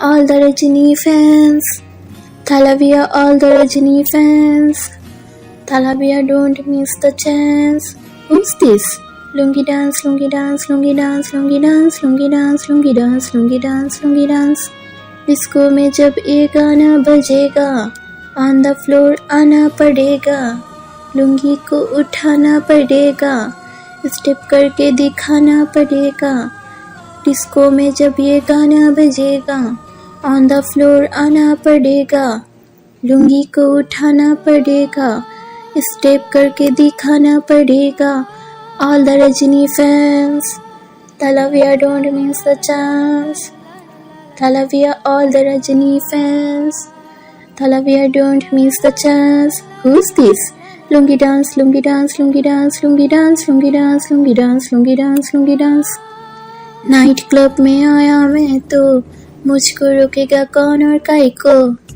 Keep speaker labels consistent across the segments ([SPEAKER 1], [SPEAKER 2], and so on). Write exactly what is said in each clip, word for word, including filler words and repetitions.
[SPEAKER 1] all the Rajini fans. Thalavia, all the Rajini fans. Thalavia, don't miss the chance. Who's this? Lungi dance, lungi dance, lungi dance, lungi dance, lungi dance, lungi dance, lungi dance, lungi dance. Disco में जब ये गाना बजेगा, on the floor आना पड़ेगा, लुंगी को उठाना पड़ेगा, स्टेप करके दिखाना पड़ेगा। डिस्को में जब ये गाना बजेगा, ऑन द फ्लोर आना पड़ेगा, लुंगी को उठाना पड़ेगा, स्टेप करके दिखाना पड़ेगा। All the Rajini fans, Thalavia, don't miss the chance. Thalavia, all the Rajini fans. Thalavia, don't miss the chance. Who's this? Lungi dance, lungi dance, lungi dance, lungi dance, lungi dance, lungi dance, lungi dance, lungi dance. Night club में आया मैं तो मुझको रोकेगा कौन और काई को।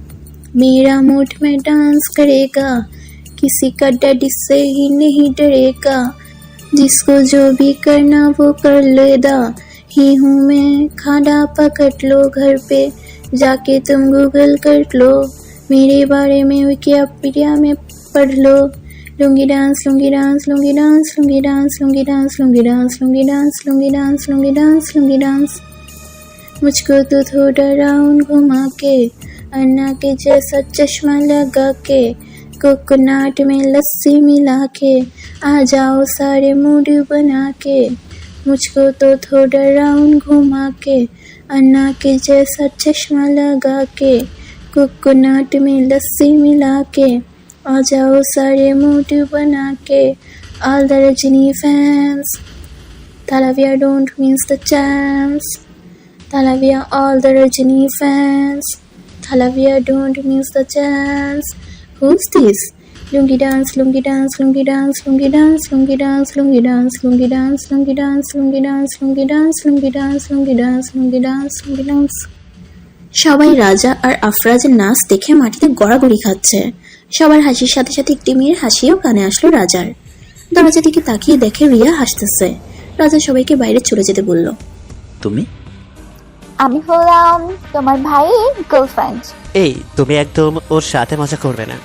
[SPEAKER 1] मेरा मूड में डांस करेगा, किसी का डैडी से ही नहीं डरेगा। जिसको जो भी करना वो कर लेदा, ही हूँ मैं खाना पकड़ लो। घर पे जाके तुम गूगल कर लो, मेरे बारे में विकिपीडिया में पढ़ लो। Lungi dance, lungi dance, lungi dance, lungi dance, lungi dance, lungi dance, lungi dance, lungi dance, lungi dance, lungi dance. मुझको तो थोड़ा राउंड घुमा के, अन्ना के जैसा चश्मा लगा के, कोकोनट में लस्सी मिला के, आ जाओ सारे मूड बना के। मुझको तो थोड़ा राउंड घुमा के, अन्ना के जैसा चश्मा लगा के, कोकोनट में लस्सी मिला के, आ जाओ सारे मूड बना के। All the Rajini fans, Thalavia, don't miss the chance. Thalavia, all the Rajini fans. Thalavia, don't miss the chance. Who's this? Lungi dance, lungi dance, lungi dance, lungi dance, lungi dance, lungi dance, lungi dance, lungi dance, lungi dance, lungi dance, lungi dance, lungi dance, lungi dance, lungi dance. সবাই রাজা আর আফরাজের নাচ দেখে মাটিতে গড়াগড়ি খাচ্ছে। সবার হাসির সাথে সাথে একটি মেয়ের হাসিও কানে আসলো রাজার। দরজা দিকে তাকিয়ে দেখে রিয়া হাসতেছে। রাজা সবাইকে বাইরে চলে যেতে বলল।
[SPEAKER 2] তুমি?
[SPEAKER 3] আমি হলাম তোমার ভাইয়ের গার্লফ্রেন্ড।
[SPEAKER 4] এই তুমি একদম ওর সাথে মজা করবে না।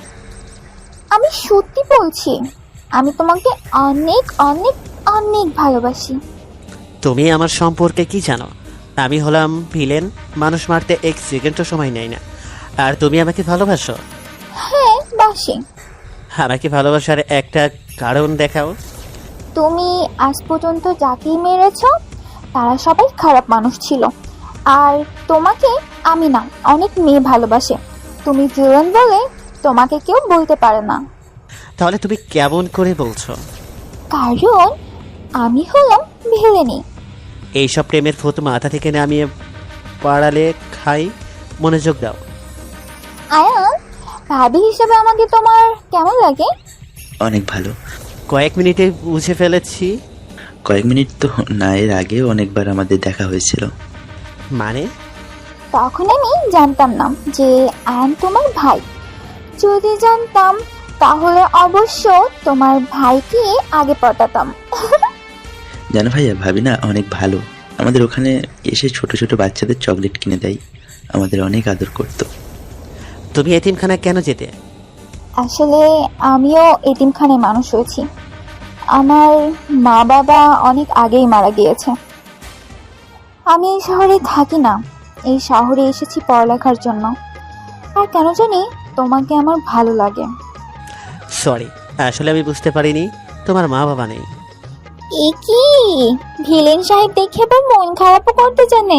[SPEAKER 3] আমি সত্যি বলছি, আমি তোমাকে অনেক অনেক অনেক ভালোবাসি।
[SPEAKER 4] তুমি আমার সম্পর্কে কি জানো? আমি হলাম ভিলেন, মানুষ মারতে এক সেকেন্ডও সময় নেয় না। আর তুমি আমাকে ভালোবাসো?
[SPEAKER 3] হ্যাঁ বাসি।
[SPEAKER 4] আমাকে ভালোবাসার একটা কারণ দেখাও।
[SPEAKER 3] তুমি আজ পর্যন্ত যাকেই মেরেছ তারা সবাই খারাপ মানুষ ছিল, আর তোমাকে আমি না অনেক মেয়ে ভালোবাসে। তুমি ভিলেন বলে তোমাকে কেউ বলতে পারে না।
[SPEAKER 4] তাহলে তুমি কেমন করে বলছো?
[SPEAKER 3] কারণ আমি হলাম ভিলেনি।
[SPEAKER 4] এইসব প্রেমের ফটো মাথা থেকে নামিয়ে পাড়ালে খাই। মনোযোগ দাও।
[SPEAKER 3] আয়ান, ভাবি হিসেবে আমাকে তোমার কেমন লাগে?
[SPEAKER 2] অনেক ভালো।
[SPEAKER 4] কয়েক মিনিটে বুঝে ফেলেছি।
[SPEAKER 2] কয়েক মিনিট তো না, এর আগেও অনেকবার আমাদের দেখা হয়েছিল।
[SPEAKER 4] মানে?
[SPEAKER 3] তখন আমি জানতাম না যে আয়ান তোমার ভাই। যদি জানতাম তাহলে অবশ্য তোমার ভাইকে আগে পটাতাম।
[SPEAKER 2] জানো ভাইয়া, ভাবি না অনেক ভালো। আমাদের ওখানে এসে ছোট ছোট বাচ্চাদের চকলেট কিনে দেয়, আমাদের অনেক আদর করতো।
[SPEAKER 4] তুমি এতিমখানা কেন যেতে?
[SPEAKER 3] আসলে আমিও এতিমখানায় মানুষ হয়েছি। আমার মা বাবা অনেক আগেই মারা গিয়েছে। আমি এই শহরে থাকি না, এই শহরে এসেছি পড়ালেখার জন্য। আর কেন জানি তোমাকে আমার ভালো লাগে।
[SPEAKER 4] সরি, আসলে আমি বুঝতে পারিনি তোমার মা বাবা নেই।
[SPEAKER 3] এ কি ভিলেন সাহেব দেখে আবার মন খারাপও করতে জানে।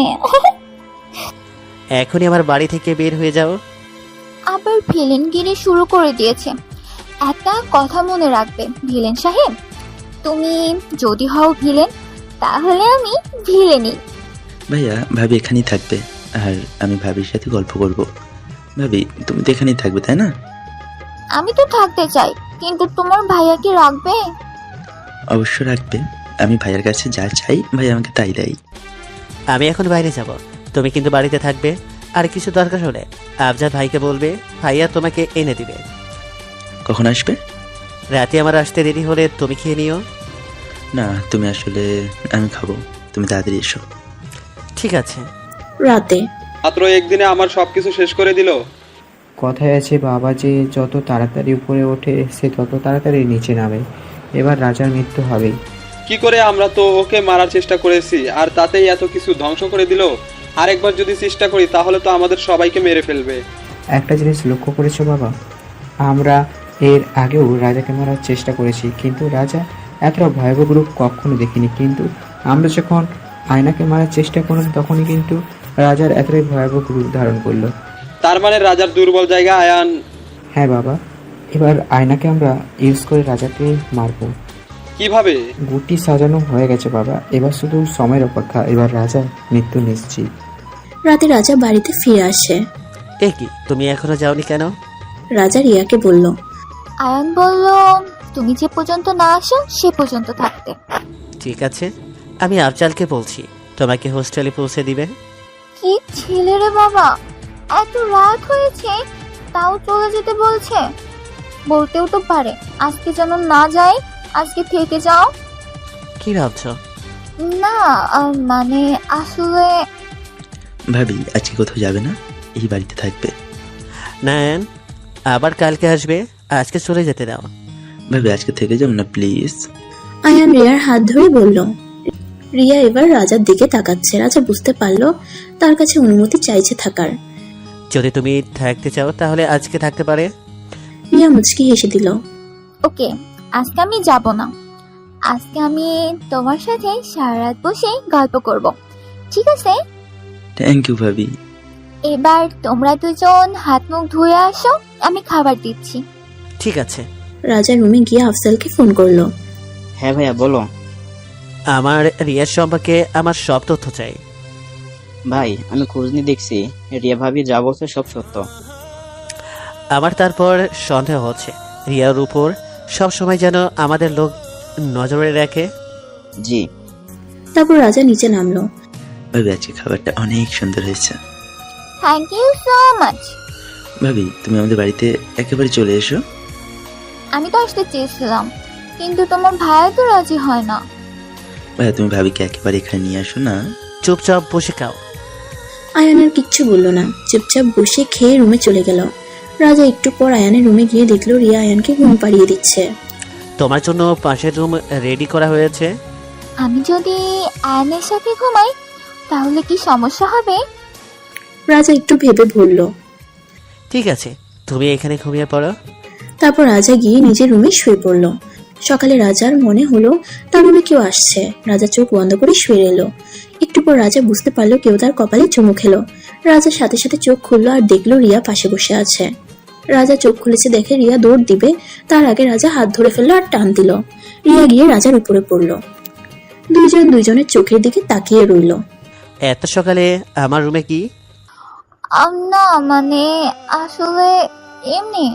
[SPEAKER 4] এখনই আমার বাড়ি থেকে বের হয়ে যাও।
[SPEAKER 3] আবার ভিলেনগিরি শুরু করে দিয়েছে। একটা কথা মনে রাখবে ভিলেন সাহেব, তুমি যদি হও ভিলেন তাহলে আমি ভিলেনই।
[SPEAKER 2] ভাইয়া, ভাবি এখানেই থাকবে, আর আমি ভাবির সাথে গল্প করব। ভাবি, তুমি তো এখানেই থাকবে তাই না?
[SPEAKER 3] আমি তো থাকতে চাই, কিন্তু তোমার ভাইয়া কি রাখবে?
[SPEAKER 2] অবশ্য রাখবে। আমি ভাইয়ার কাছে যা চাই ভাই আমাকে তাই দেয়।
[SPEAKER 4] আমি এখন বাইরে যাব, তুমি কিন্তু বাড়িতে থাকবে। আর কিছু দরকার হলে আফজাদ ভাইকে বলবে, ভাইয়া তোমাকে এনে দিবে।
[SPEAKER 2] কখন আসবে?
[SPEAKER 4] রাতে আমার আসতে দেরি হলে তুমি খেয়ে নিও।
[SPEAKER 2] না, তুমি আসলে আমি খাবো, তুমি তাড়াতাড়ি এসো।
[SPEAKER 4] ঠিক আছে।
[SPEAKER 1] রাতে
[SPEAKER 5] মাত্র একদিনে আমার সবকিছু শেষ করে দিল।
[SPEAKER 6] কথায় আছে বাবা যে যত তাড়াতাড়ি উপরে ওঠে সে তত তাড়াতাড়ি নিচে নামে। এবার রাজার মৃত্যু হবেই।
[SPEAKER 5] কি করে? আমরা তো ওকে মারার চেষ্টা করেছি আর তাতেই এত কিছু ধ্বংস করে দিল। আরেকবার যদি চেষ্টা করি তাহলে তো আমাদের সবাইকে মেরে ফেলবে।
[SPEAKER 6] একটা জিনিস লক্ষ্য করেছো বাবা, আমরা এর আগেও রাজাকে মারার চেষ্টা করেছি, কিন্তু রাজা এতটা ভয়াবহ রূপ কখনো দেখিনি। কিন্তু আমরা যখন আয়নাকে মারার চেষ্টা করলাম তখনই কিন্তু রাজার এতটাই ভয়াবহ রূপ ধারণ করলো।
[SPEAKER 5] তার মানে রাজার দুর্বল জায়গা আয়ান।
[SPEAKER 6] হ্যাঁ বাবা, এবার আয়নাকে আমরা ইউজ করে রাজাকে মারবো।
[SPEAKER 5] কিভাবে?
[SPEAKER 6] গুটি সাজানো হয়ে গেছে বাবা, এবার শুধু সময়ের অপেক্ষা। এবার রাজার মৃত্যু নিশ্চিত।
[SPEAKER 1] রাতে রাজা বাড়িতে ফিরে আসে।
[SPEAKER 4] এ কি, তুমি এখনো যাওনি কেন?
[SPEAKER 1] রাজা রিয়াকে বলল,
[SPEAKER 3] আয়ান বলল তুমি যে পর্যন্ত না আসো সে পর্যন্ত থাকতে।
[SPEAKER 4] ঠিক আছে, আমি আফজালকে বলছি তোমাকে হোস্টেলে পৌঁছে দিবে।
[SPEAKER 3] কি ছেলে রে বাবা, এত রাত হয়েছে তাও চলে যেতে বলছে। বলতেও তো পারে আজকে যেন না যাই, আজকে থেকে যাও।
[SPEAKER 4] কি ভাবছো?
[SPEAKER 3] না আহ, মানে আসলে
[SPEAKER 2] ভাবি আজকে কোথাও যাবে না, এই বাড়িতে থাকবে।
[SPEAKER 4] না আয়ান, আবার কালকে আসবে, আজকে চলে যেতে দাও।
[SPEAKER 2] ভাবি আজকে থেকে যাও না প্লিজ।
[SPEAKER 1] আয়ান রিয়ার হাত ধরে বলল। রিয়া এবার রাজার দিকে তাকাচ্ছে। রাজা বুঝতে পারলো তার কাছে অনুমতি চাইছে থাকার।
[SPEAKER 4] যদি তুমি থাকতে চাও তাহলে আজকে থাকতে পারে।
[SPEAKER 1] রিয়া মুচকি হেসে দিল।
[SPEAKER 3] ওকে, আজকে আমি যাব না। আজকে আমি তোমার সাথে সারা রাত বসে গল্প করব, ঠিক আছে?
[SPEAKER 2] থ্যাংক ইউ ভাবি।
[SPEAKER 3] এবার তোমরা দুজন হাত মুখ ধুয়ে আসো, আমি খাবার দিচ্ছি।
[SPEAKER 4] ঠিক আছে।
[SPEAKER 1] রাজা রুমে গিয়ে আফজালকে ফোন করলো।
[SPEAKER 7] হ্যাঁ ভাইয়া বলো।
[SPEAKER 4] আমার রিয়ার সম্পর্কে আমার সব তথ্য চাই।
[SPEAKER 7] ভাই আমি খোঁজ নিয়ে দেখছি, রিয়া ভাবি যা বলছে সব সত্য।
[SPEAKER 4] আমার তারপর সন্দেহ হচ্ছে রিয়ার উপর সব সময় যেন আমাদের লোক নজরে রাখে।
[SPEAKER 7] জি।
[SPEAKER 1] তারপর রাজা নিচে নামলো।
[SPEAKER 2] ভাবি আজকে খাবারটা অনেক সুন্দর হয়েছে।
[SPEAKER 3] Thank you so much.
[SPEAKER 2] ভাবি তুমি আমাদের বাড়িতে একেবারে চলে এসো।
[SPEAKER 3] আমি তো আসতে চেয়েছিলাম, কিন্তু তোমার ভাইয়া তো রাজি হয় না।
[SPEAKER 2] ভাইয়া তুমি ভাবিকে একেবারে এখানে নিয়ে আসো না।
[SPEAKER 4] চুপচাপ বসে খাও।
[SPEAKER 1] আয়ানের কিচ্ছু বলল না, চুপচাপ বসে খেয়ে রুমে চলে গেল। রাজা একটু পর আয়ানের রুমে গিয়ে দেখলো রিয়া আয়ানকে ঘুম পাড়িয়ে দিচ্ছে।
[SPEAKER 4] তোমার জন্য পাশের রুম রেডি করা হয়েছে।
[SPEAKER 3] আমি যদি আয়নের সাথে ঘুমাই তাহলে কি সমস্যা হবে?
[SPEAKER 1] রাজা একটু ভেবে বলল।
[SPEAKER 4] ঠিক আছে, তুমি এখানে ঘুমিয়ে পড়ো।
[SPEAKER 1] তারপর রাজা গিয়ে নিজের রুমে শুয়ে পড়ল। সকালে রাজার মনে হলো তার রুমে কেউ আসছে। রাজা চোখ বন্ধ করে শুয়ে এলো। একটু পর রাজা বুঝতে পারলো কেউ তার কপালে চুমু খেলো। রাজার সাথে সাথে চোখ খুললো আর দেখলো রিয়া পাশে বসে আছে। রাজা চোখ খুলেছে দেখে রিয়া দৌড় দিবে, তার আগে রাজা হাত ধরে ফেললো আর টান দিল। রিয়া গিয়ে রাজার উপরে পড়লো। দুইজন দুইজনের চোখের দিকে তাকিয়ে রইল।
[SPEAKER 4] এত সকালে আমার রুমে কি?
[SPEAKER 3] আম, না মানে আসলে এমনি।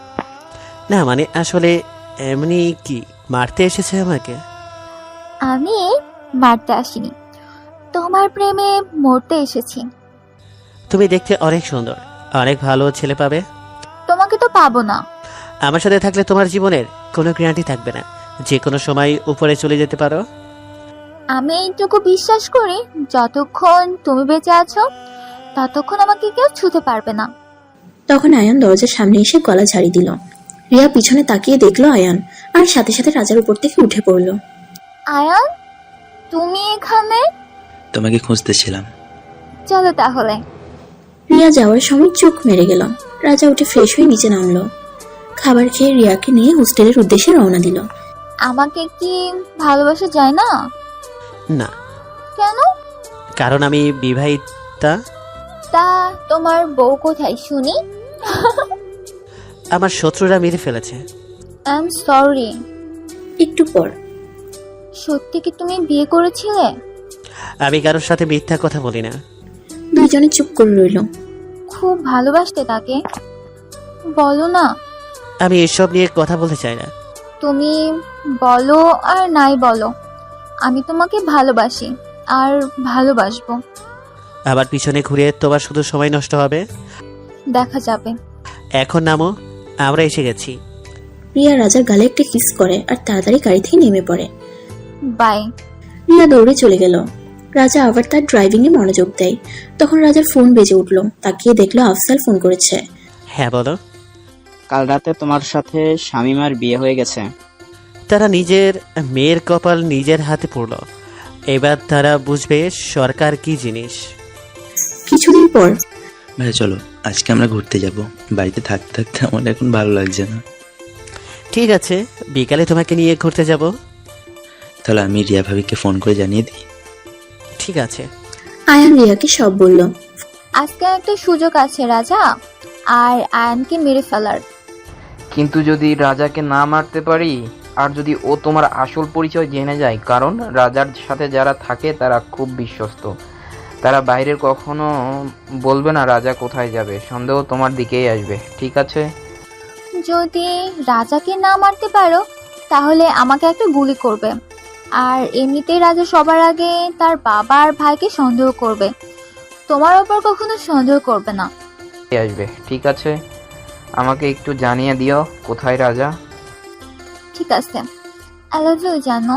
[SPEAKER 4] না মানে আসলে এমনি কি, মারতে এসেছে আমাকে?
[SPEAKER 3] আমি মারতে আসিনি, তোমার প্রেমে মরতে এসেছি।
[SPEAKER 4] তুমি দেখতে অনেক সুন্দর, অনেক ভালো ছেলে পাবে।
[SPEAKER 3] তোমাকে তো পাবো না।
[SPEAKER 4] আমার সাথে থাকলে তোমার জীবনের কোনো গ্যারান্টি থাকবে না, যে কোনো সময় উপরে চলে যেতে পারো।
[SPEAKER 3] আমি এইটুকু বিশ্বাস করি, যতক্ষণ তুমি বেঁচে আছো ততক্ষণ আমাকে কেউ ছুঁতে পারবে না।
[SPEAKER 1] তখন আয়ান দরজার সামনে এসে গলা ঝাড়ি দিল। রিয়া পিছনে তাকিয়ে দেখলো আয়ান, আর সাথে সাথে রাজার উপর থেকে উঠে পড়লো।
[SPEAKER 3] আয়ান, তুমি এখানে?
[SPEAKER 2] তোমাকে খুঁজতেছিলাম।
[SPEAKER 3] চলো তাহলে।
[SPEAKER 1] রিয়া যাওয়ার সময় চোখ মেরে গেল। রাজা উঠে ফ্রেশ হয়ে নিচে নামলো। খাবার খেয়ে রিয়াকে নিয়ে হোস্টেলের উদ্দেশ্যে রওনা দিল।
[SPEAKER 3] আমাকে কি ভালোবাসা যায় না?
[SPEAKER 4] না।
[SPEAKER 3] কেন?
[SPEAKER 4] কারণ আমি বিবাহিতা।
[SPEAKER 3] তা তোমার বউ কোথায় শুনি?
[SPEAKER 4] আমার শত্রুরা মেরে ফেলেছে।
[SPEAKER 3] I am sorry.
[SPEAKER 1] একটু পর,
[SPEAKER 3] সত্যি কি তুমি বিয়ে করেছিলে?
[SPEAKER 4] আমি কারোর সাথে মিথ্যা কথা বলি না।
[SPEAKER 1] দুইজনে চুপ করে রইল।
[SPEAKER 3] খুব ভালোবাসতে তাকে? বলো না।
[SPEAKER 4] আমি এসব নিয়ে কথা বলতে চাই না।
[SPEAKER 3] তুমি বলো আর নাই বলো, আমি তোমাকে ভালোবাসি আর ভালোবাসবো।
[SPEAKER 4] আবার পিছনে ঘুরে তোমার শুধু সময় নষ্ট হবে।
[SPEAKER 3] দেখা যাবে।
[SPEAKER 4] এখন নামো, আমরা এসে গেছি।
[SPEAKER 1] রিয়া রাজার গালে একটা কিস করে আর তাড়াতাড়ি গাড়ি থেকে নেমে পড়ে।
[SPEAKER 3] বাই।
[SPEAKER 1] রিয়া দৌড়ে চলে গেল। রাজা আবার তার ড্রাইভিংয়ে মনোযোগ দেয়। তখন রাজার ফোন বেজে উঠল। তাকিয়ে দেখলো আফজাল ফোন করেছে।
[SPEAKER 4] হ্যাঁ বলো।
[SPEAKER 7] কাল রাতে তোমার সাথে শামিমার বিয়ে হয়ে গেছে।
[SPEAKER 4] তারা নিজের মেয়ের কপাল নিজের হাতে পড়ল। এবার তারা বুঝবে সরকার কি জিনিস।
[SPEAKER 1] কিছুদিন পর
[SPEAKER 2] ভাই চলো আজকে আমরা ঘুরতে যাব। বাড়িতে থাকতে থাকতে আমার এখন ভালো লাগছে না।
[SPEAKER 4] ঠিক আছে, বিকালে তোমাকে নিয়ে ঘুরতে যাব।
[SPEAKER 2] তাহলে আমি রিয়া ভাবিকে ফোন করে জানিয়ে দিই।
[SPEAKER 4] ঠিক আছে।
[SPEAKER 1] আয়ান রিয়াকে সব বলল।
[SPEAKER 3] আজকে একটা সুযোগ আছে রাজা আর আয়ানকে মেরে ফেলার।
[SPEAKER 8] কিন্তু যদি রাজাকে না মারতে পারি, আর যদি ও তোমার আসল পরিচয় জেনে যায়, কারণ রাজার সাথে যারা থাকে তারা খুব বিশ্বস্ত, তারা বাইরের কখনো বলবে না রাজা কোথায় যাবে, সন্দেহ তোমার দিকেই আসবে, ঠিক আছে?
[SPEAKER 3] যদি রাজাকে না মারতে পারো তাহলে আমাকে একটা গুলি করবে, আর এমনিতেই রাজা সবার আগে তার বাবা আর ভাইকে সন্দেহ করবে, তোমার ওপর কখনো সন্দেহ করবে না।
[SPEAKER 8] আসবে, ঠিক আছে? আমাকে একটু জানিয়ে দিও কোথায় রাজা।
[SPEAKER 3] ঠিক আছে, আই লাভ ইউ জানো।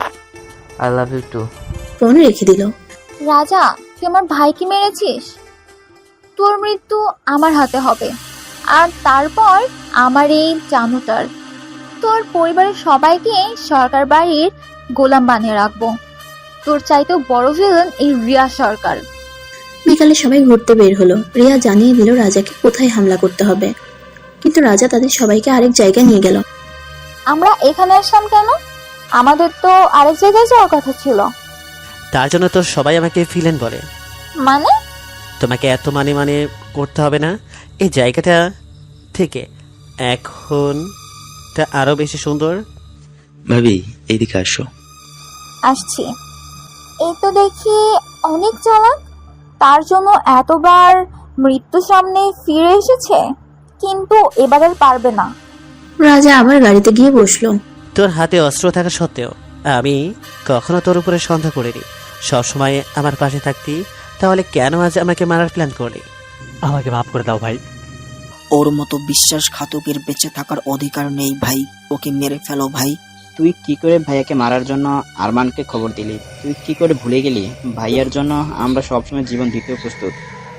[SPEAKER 8] I love you too.
[SPEAKER 1] Phone রেখে দিল।
[SPEAKER 3] রাজা, তুই আমার ভাইকে মেরেছিস, তোর মৃত্যু আমার হাতে হবে, আর তারপর আমার এই জানুটার, তোর পরিবারের সবাইকে সরকার বাড়ির গোলাম বানিয়ে রাখবো। তোর চাইতেও বড় ভিলেন এই রিয়া সরকার।
[SPEAKER 1] বিকালে সবাই ঘুরতে বের হলো। রিয়া জানিয়ে দিল রাজাকে কোথায় হামলা করতে হবে, কিন্তু রাজা তাদের সবাইকে আরেক জায়গায় নিয়ে গেল।
[SPEAKER 3] আমরা এখানে আসলাম কেন? আমাদের তো আরেক জায়গায় যাওয়ার কথা ছিল।
[SPEAKER 4] তার জন্য তো সবাই আমাকে ভিলেন বলে।
[SPEAKER 3] মানে?
[SPEAKER 4] তোমাকে এত মানে মানে করতে হবে না। এই জায়গাটা থেকে এখন তা আরো বেশি সুন্দর।
[SPEAKER 2] ভাবি এইদিকে আসো।
[SPEAKER 3] আসছি। এই তো দেখি অনেক চালাক, তার জন্য এতবার মৃত্যু সামনে ফিরে এসেছে, কিন্তু এবার আর পারবে না।
[SPEAKER 1] রাজা আবার গাড়িতে গিয়ে বসলো।
[SPEAKER 4] তোর হাতে অস্ত্র থাকা সত্ত্বেও আমি কখনো তোর উপরে সন্দেহ করিনি। সবসময় আমার পাশে থাকতি, তাহলে কেন আজ আমাকে মারার প্ল্যান করলি?
[SPEAKER 9] আমাকে মাফ করে দাও ভাই।
[SPEAKER 10] ওর মতো বিশ্বাসঘাতকের বেঁচে থাকার অধিকার নেই ভাই, ওকে মেরে ফেলো ভাই।
[SPEAKER 7] তুই কি করে ভাইয়াকে মারার জন্য আরমানকে খবর দিলি? তুই কি করে ভুলে গেলি ভাইয়ার জন্য আমরা সবসময় জীবন দিতে প্রস্তুত?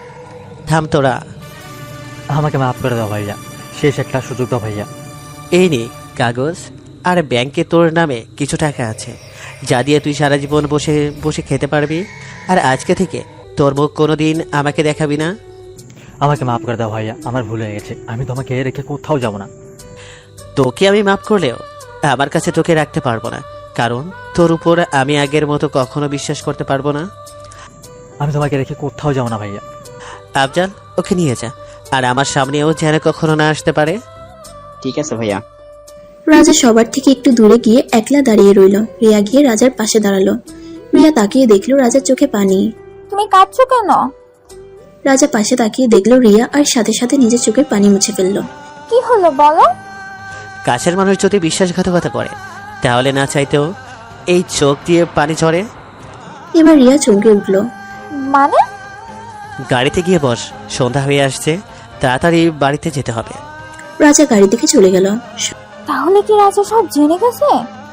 [SPEAKER 4] থাম তোরা।
[SPEAKER 9] আমাকে মাফ করে দাও ভাইয়া, শেষ একটা সুযোগ দাও ভাইয়া।
[SPEAKER 4] এই নে কাগজ, আর ব্যাংকে তোর নামে কিছু টাকা আছে, যা দিয়ে তুই সারা জীবন বসে বসে খেতে পারবি। আর আজকে থেকে তোর মুখ কোনোদিন আমাকে দেখাবি না।
[SPEAKER 9] আমাকে মাফ করে দাও ভাইয়া, আমার ভুল হয়ে গেছে, আমি তোমাকে রেখে কোথাও যাব না।
[SPEAKER 4] তোকে আমি মাফ করলেও আমার কাছে তোকে রাখতে পারবো না, কারণ তোর উপর আমি আগের মতো কখনো বিশ্বাস করতে পারবো না।
[SPEAKER 9] আমি তোমাকে রেখে কোথাও যাব না ভাইয়া।
[SPEAKER 4] আফজাল, ওকে নিয়ে যা, আর আমার সামনেও যেন কখনো না আসতে পারে।
[SPEAKER 7] ঠিক আছে ভাইয়া।
[SPEAKER 1] রাজা সবার থেকে একটু দূরে গিয়ে একলা দাঁড়িয়ে রইল। রিয়া গিয়ে রাজার পাশে দাঁড়ালো। রিয়া তাকিয়ে দেখলো রাজার চোখে পানি।
[SPEAKER 3] তুমি কাঁদছো কেন?
[SPEAKER 1] রাজা পাশে তাকিয়ে দেখলো রিয়া, আর সাথে সাথে নিজের চোখের পানি মুছে ফেললো।
[SPEAKER 3] কি হলো বলো?
[SPEAKER 4] কাছের মানুষ যদি বিশ্বাসঘাতকতা করে, তাহলে না চাইতেও এই চোখ দিয়ে পানি ঝরে।
[SPEAKER 1] এবার রিয়া চমকে উঠলো।
[SPEAKER 3] মানে?
[SPEAKER 4] গাড়িতে গিয়ে বস, সন্ধ্যা হয়ে আসছে, তাড়াতাড়ি বাড়িতে যেতে হবে।
[SPEAKER 1] রাজা গাড়ি থেকে চলে গেল।
[SPEAKER 3] তাহলে কি রাজা সব জেনে গেছে?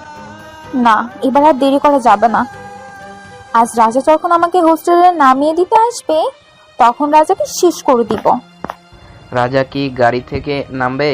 [SPEAKER 3] না, এবার আর দেরি করা যাবে না। আজ রাজা যখন আমাকে হোস্টেলে নামিয়ে দিতে আসবে, তখন রাজাকে শেষ করে দিব।
[SPEAKER 8] রাজা কি গাড়ি থেকে নামবে?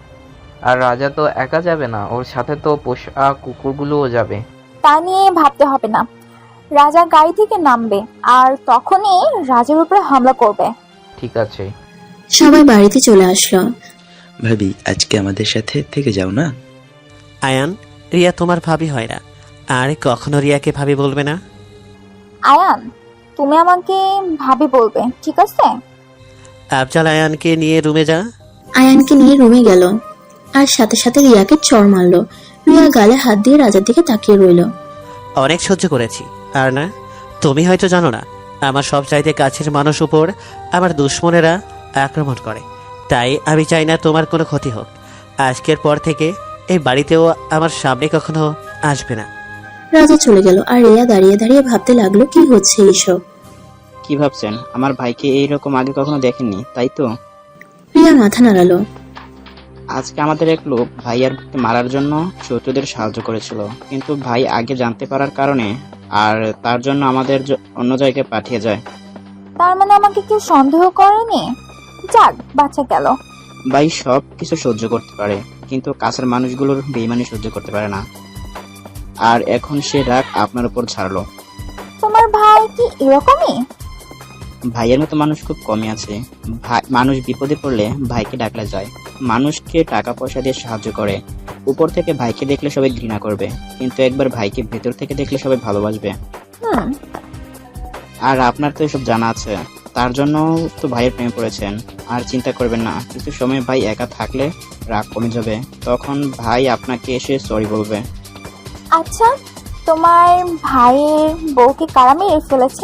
[SPEAKER 8] আর রাজা তো একা যাবে না, ওর সাথে তো পোষা কুকুরগুলোও যাবে।
[SPEAKER 3] তা নিয়ে ভাবতে হবে না, রাজা গাড়ি থেকে নামবে আর তখনই রাজার উপরে হামলা করবে।
[SPEAKER 8] ঠিক আছে।
[SPEAKER 1] সবাই বাড়িতে চলে আসলো।
[SPEAKER 2] ভাবি আজকে আমাদের সাথে থেকে যাও না।
[SPEAKER 4] আয়ান, রিয়া তোমার ভাবি হয় না, আর কখনো রিয়াকে ভাবি বলবে না।
[SPEAKER 3] আয়ান, তুমি আমাকে ভাবি বলবে, ঠিক আছে?
[SPEAKER 4] আফজাল আয়ানকে নিয়ে রুমে যা।
[SPEAKER 1] আয়ানকে নিয়ে রুমে গেল, আর সাথে সাথে রিয়াকে চড় মারলো। রিয়া গালে হাত দিয়ে রাজার দিকে তাকিয়ে রইল।
[SPEAKER 4] অনেক সহ্য করেছি, আর না, তুমি হয়তো জানো না, আমার সব চাইতে কাছের মানুষ উপর আমার দুশ্মনেরা আক্রমণ করে। তাই আমি চাই না তোমার কোনো ক্ষতি হোক। আজকের পর থেকে এই বাড়িতেও আমার সামনে কখনো আসবে না।
[SPEAKER 1] রাজা চলে গেল, আর রিয়া দাঁড়িয়ে দাঁড়িয়ে ভাবতে লাগলো কি হচ্ছে এইসব।
[SPEAKER 7] কি ভাবছেন? আমার ভাইকে এইরকম আগে কখনো দেখেননি, তাই তো?
[SPEAKER 1] রিয়া মাথা নাড়ালো।
[SPEAKER 7] আজকে আমাদের এক লোক ভাইয়ার মারার জন্য শত্রুদের সাহায্য করেছিল, কিন্তু ভাই আগে জানতে পারার কারণে আর তার জন্য আমাদের জ- অন্য জায়গায় পাঠিয়ে যায়।
[SPEAKER 3] তার মানে আমাকে কেউ সন্দেহ করেনি? যাক, বাচ্চা গেল।
[SPEAKER 7] ভাই সব কিছু সহ্য করতে পারে, কিন্তু কাছের মানুষগুলোর বেইমানি সহ্য করতে পারে না। আর এখন সে রাগ আপনার উপর ছাড়লো।
[SPEAKER 3] তোমার ভাই কি এরকমই?
[SPEAKER 7] ভাইয়ের মতো মানুষ খুব কমই আছে। ভাই মানুষ বিপদে পড়লে ভাইকে ডাকলে যায়, মানুষকে টাকা পয়সা দিয়ে সাহায্য করে। উপর থেকে ভাইকে দেখলে সবাই ঘৃণা করবে, কিন্তু একবার ভাইকে ভেতর থেকে দেখলে সবাই ভালোবাসবে।
[SPEAKER 3] হুম।
[SPEAKER 7] আর আপনার তো এসব জানা আছে, তার জন্য তো ভাইয়ের প্রেমে পড়েছেন। আর চিন্তা করবেন না, কিছু সময় ভাই একা থাকলে রাগ কমে যাবে, তখন ভাই আপনাকে এসে সরি বলবে।
[SPEAKER 3] আচ্ছা, তোমার ভাইয়ের বউকে কারা মেরে ফেলেছে?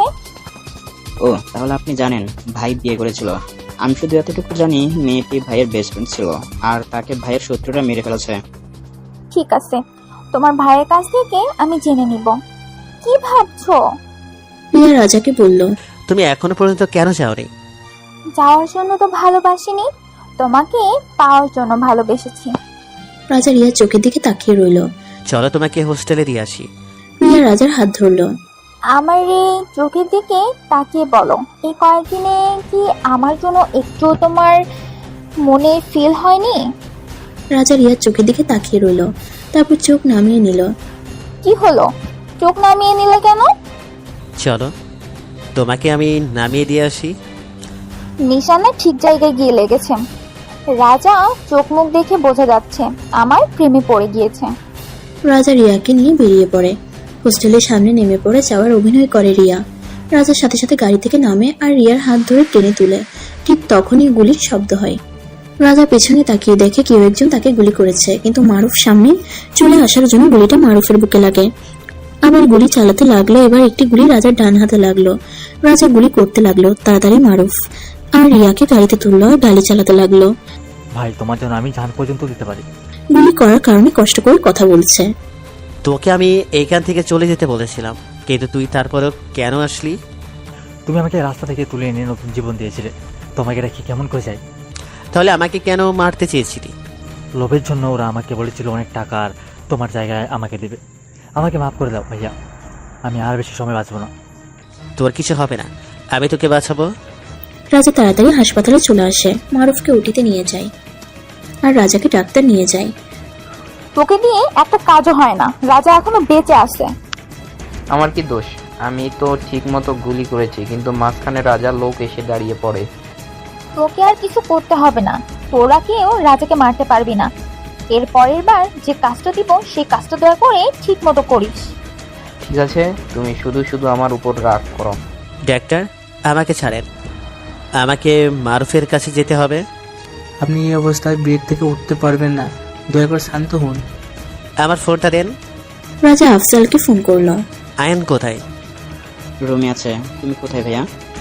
[SPEAKER 7] ও, তাহলে আপনি জানেন ভাই বিয়ে করেছিল। আমি শুধু এতটুকু জানি, মেয়েটি ভাইয়ের বেস্ট ফ্রেন্ড ছিল, আর তাকে ভাইয়ের শত্রুরা মেরে ফেলেছে।
[SPEAKER 3] ঠিক আছে, তোমার ভাইয়ের কাছ থেকে আমি জেনে নিব। কি ভাবছো?
[SPEAKER 1] রিয়া রাজাকে বলল,
[SPEAKER 4] তুমি এখনো পর্যন্ত কেন যাওনি?
[SPEAKER 3] যাওয়ার জন্য তো ভালোবাসিনি, তোমাকে পাওয়ার জন্য ভালোবেসেছি।
[SPEAKER 1] রাজা রিয়ার চোখের দিকে তাকিয়ে রইল।
[SPEAKER 4] চলো তোমাকে হোস্টেলে দিয়ে আসি।
[SPEAKER 1] রিয়া রাজার হাত ধরল।
[SPEAKER 3] আমার এই চোখের দিকে তাকিয়ে বলো, এই কয়েকদিনে কি আমার জন্য একটু তোমার মনে ফিল হয়নি?
[SPEAKER 1] রাজা রিয়ার চোখের দিকে তাকিয়ে রইল, তারপর চোখ নামিয়ে নিল।
[SPEAKER 3] কি হলো, চোখ নামিয়ে নিলে কেন?
[SPEAKER 4] চলো তোমাকে আমি নামিয়ে দিয়ে আসি।
[SPEAKER 3] নিশানা ঠিক জায়গায় গিয়ে লেগেছে। রাজা চোখ মুখ দেখে বোঝা যাচ্ছে আমার প্রেমে পড়ে গিয়েছে।
[SPEAKER 1] রাজা রিয়াকে নিয়ে বেরিয়ে পড়ে। হোস্টেলের সামনে নেমে পড়ে যাওয়ার অভিনয় করে রিয়া। রাজার সাথে সাথে গাড়ি থেকে নামে আর রিয়ার হাত ধরে টেনে তুলে। ঠিক তখনই গুলির শব্দ হয়। রাজা পেছনে তাকিয়ে দেখে কেউ একজন তাকে গুলি করেছে, কিন্তু মারুফ সামনে চলে আসার জন্য গুলিটা মারুফের বুকে লাগে। আবার গুলি চালাতে লাগলো। এবার একটি গুলি রাজার ডান হাতে লাগলো। রাজা গুলি করতে লাগলো, তাড়াতাড়ি মারুফ আর রিয়াকে গাড়িতে তুললো আর গাড়ি চালাতে লাগলো।
[SPEAKER 9] ভাই, তোমার জন্য আমি জান পর্যন্ত দিতে পারি।
[SPEAKER 1] গুলি করার কারণে কষ্ট করে কথা বলছে।
[SPEAKER 4] তোকে আমি এইখান থেকে চলে যেতে বলেছিলাম, কিন্তু তুই তারপরেও কেন আসলি?
[SPEAKER 9] তুমি আমাকে রাস্তা থেকে তুলে এনে নতুন জীবন দিয়েছিলে, তোমাকে রেখে কেমন করে যাই?
[SPEAKER 4] তাহলে আমাকে কেন মারতে চেয়েছিলি?
[SPEAKER 9] লোভের জন্য ওরা আমাকে বলেছিল অনেক টাকা আর তোমার জায়গায় আমাকে দেবে। আমাকে মাফ করে দাও ভাইয়া, আমি আর বেশি সময় বাঁচবো না।
[SPEAKER 4] তোর কিছু হবে না, আমি তোকে বাঁচাবো।
[SPEAKER 1] রাজা তাড়াতাড়ি হাসপাতালে চলে আসে, মারুফকে উঠিতে নিয়ে যায় আর রাজাকে ডাক্তার নিয়ে যায়।
[SPEAKER 3] তোকে দিয়ে একটা কাজও হয় না, রাজা এখনো বেঁচে আছে।
[SPEAKER 8] আমার কি দোষ? আমি তো ঠিক মতো গুলি করেছি, কিন্তু মাঝখানে রাজার লোক এসে দাঁড়িয়ে পড়ে।
[SPEAKER 3] তোকে আর কিছু করতে হবে না, তোরা কেউ রাজাকে মারতে পারবি না। এর পরের বার যে কাজটা দিব সেই কাজটা দয়া করে ঠিক মতো করিস।
[SPEAKER 8] ঠিক আছে, তুমি শুধু শুধু আমার উপর রাগ করো।
[SPEAKER 4] ডাক্তার, আমাকে ছাড়েন, আমাকে মারুফের কাছে যেতে হবে।
[SPEAKER 11] আপনি এই অবস্থায় বেড থেকে উঠতে পারবেন না, দয়া করে শান্ত হন।
[SPEAKER 4] আমার ফোনটা দেন।
[SPEAKER 1] রাজা আফজালকে ফোন করলো।
[SPEAKER 4] আয়ান কোথায়?
[SPEAKER 7] রুমে আছে। তুমি কোথায় ভাইয়া?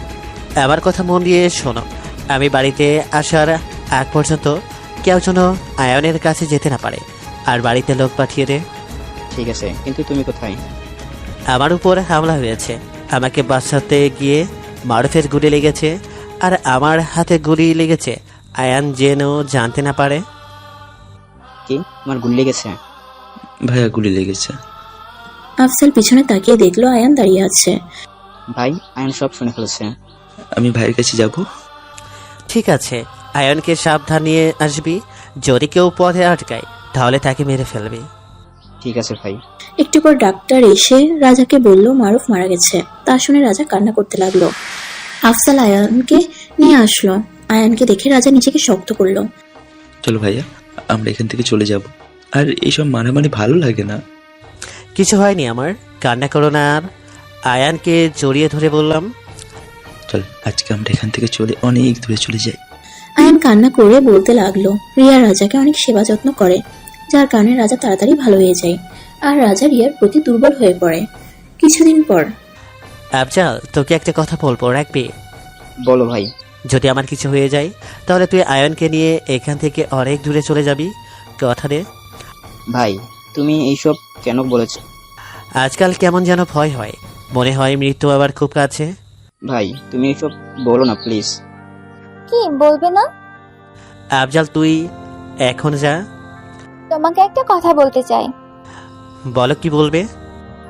[SPEAKER 4] আমার কথা মন দিয়ে শোনো, আমি বাড়িতে আসার আগ পর্যন্ত কেউ যেন আয়নের কাছে যেতে না পারে, আর বাড়িতে লোক পাঠিয়ে দে।
[SPEAKER 7] ঠিক আছে, কিন্তু তুমি কোথায়?
[SPEAKER 4] আমার উপর হামলা হয়েছে, আমাকে বাঁচাতে গিয়ে মারুফের গুলি লেগেছে, আর আমার হাতে গুলি লেগেছে, আয়ান যেন জানতে না পারে।
[SPEAKER 7] কি, তোমার গুলি লেগেছে?
[SPEAKER 2] ভাইয়া গুলি লেগেছে।
[SPEAKER 1] আফজাল পিছনে তাকিয়ে দেখলো আয়ান দাঁড়িয়ে আছে।
[SPEAKER 7] ভাই, আয়ন সব শুনে ফেলেছে।
[SPEAKER 2] আমি ভাইয়ের কাছে যাব।
[SPEAKER 4] ঠিক আছে, আয়নকে সাবধান নিয়ে আসবি, যদি কেউ পথে আটকায় তাহলে তাকে মেরে ফেলবি।
[SPEAKER 7] ঠিক আছে ভাই।
[SPEAKER 1] একটু পর ডাক্তার এসে রাজাকে বলল মারুফ মারা গেছে। তা শুনে রাজা কান্না করতে লাগলো। আফজাল আয়ানকে নিয়ে আসলো। আয়ানকে দেখে রাজা নিজেকে শক্ত করলো।
[SPEAKER 2] চলো ভাইয়া, আমরা এখান থেকে চলে যাব। আর এইসব মারামারি ভালো লাগে না।
[SPEAKER 4] কিছু হয়নি আমার, কান্না করো না। আর আয়ানকে জড়িয়ে ধরে বললাম,
[SPEAKER 2] চল আজকে আমরা এখান থেকে চলে অনেক দূরে চলে যাই।
[SPEAKER 1] আয়ান কান্না করে বলতে লাগলো রিয়া রাজাকে অনেক সেবা যত্ন করে, যার কারণে রাজা তাড়াতাড়ি ভালো হয়ে যায় আর রাজা রিয়ার প্রতি দুর্বল হয়ে পড়ে। কিছুদিন পর
[SPEAKER 4] আফজাল, তোকে একটা কথা বলবো, রাখবি?
[SPEAKER 7] বলো ভাই।
[SPEAKER 4] যদি আমার কিছু হয়ে যায় তাহলে তুই আয়নকে নিয়ে এখান থেকে অনেক দূরে চলে যাবি, কথা দে।
[SPEAKER 7] ভাই, তুমি এইসব কেন বলেছো?
[SPEAKER 4] আজকাল কেমন যেন ভয় হয়, মনে হয় মৃত্যু আবার খুব কাছে।
[SPEAKER 7] ভাই, তুমি এইসব বলো না প্লিজ।
[SPEAKER 3] কি বলবে না?
[SPEAKER 4] আফজাল, তুই এখন যা।
[SPEAKER 3] তোমাকে একটা কথা বলতে চাই।
[SPEAKER 4] বলো, কি বলবে?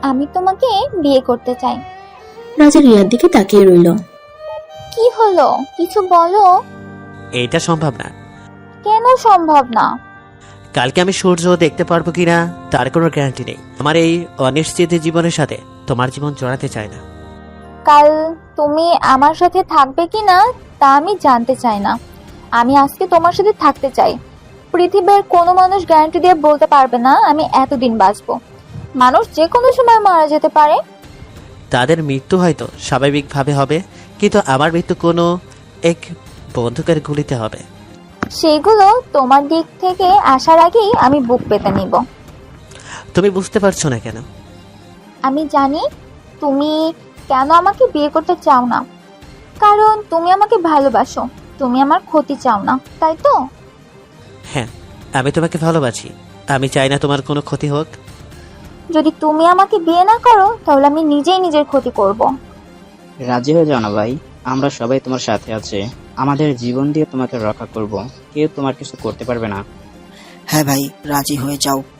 [SPEAKER 3] আমি তোমাকে বিয়ে করতে চাই।
[SPEAKER 1] রাজা রিয়ার দিকে তাকিয়ে রইল।
[SPEAKER 3] কি হলো, কিছু বলো।
[SPEAKER 4] এইটা সম্ভব না।
[SPEAKER 3] কেন সম্ভব না?
[SPEAKER 4] কালকে আমি সূর্য দেখতে পারবো কিনা তার কোনো গ্যারান্টি নেই। আমার এই অনিশ্চিত জীবনের সাথে তোমার জীবন জড়াতে চাই না।
[SPEAKER 3] কাল তুমি আমার সাথে থাকবে কিনা তা আমি জানতে চাই না। আমি আজকে তোমার সাথে থাকতে চাই। পৃথিবীর কোনো মানুষ গ্যারান্টি দিয়ে বলতে পারবে না আমি এতদিন বাঁচবো। মানুষ যে কোনো সময় মারা যেতে পারে।
[SPEAKER 4] তাদের মৃত্যু হয়তো স্বাভাবিকভাবে হবে, কিন্তু আমার মৃত্যু কোনো এক বন্দুকের গুলিতে হবে।
[SPEAKER 3] সেগুলো তোমার দিক থেকে আসার আগেই আমি বুক পেতে নিব।
[SPEAKER 4] তুমি বুঝতে পারছো না কেন?
[SPEAKER 3] আমি জানি তুমি কেন আমাকে বিয়ে করতে চাও না। কারণ তুমি আমাকে ভালোবাসো, তুমি আমার ক্ষতি চাও না, তাই তো?
[SPEAKER 4] হ্যাঁ, আমি তোমাকে ভালোবাসি। আমি চাই না তোমার কোনো ক্ষতি হোক।
[SPEAKER 3] যদি তুমি আমাকে বিয়ে না করো তাহলে আমি নিজেই নিজের ক্ষতি করব।
[SPEAKER 7] রাজি হয়ে যাও না ভাই, আমরা সবাই তোমার সাথে আছে। আমাদের জীবন দিয়ে তোমাকে রক্ষা করব, কেউ তোমার কিছু করতে পারবে না।
[SPEAKER 10] হ্যাঁ ভাই, রাজি হয়ে যাও।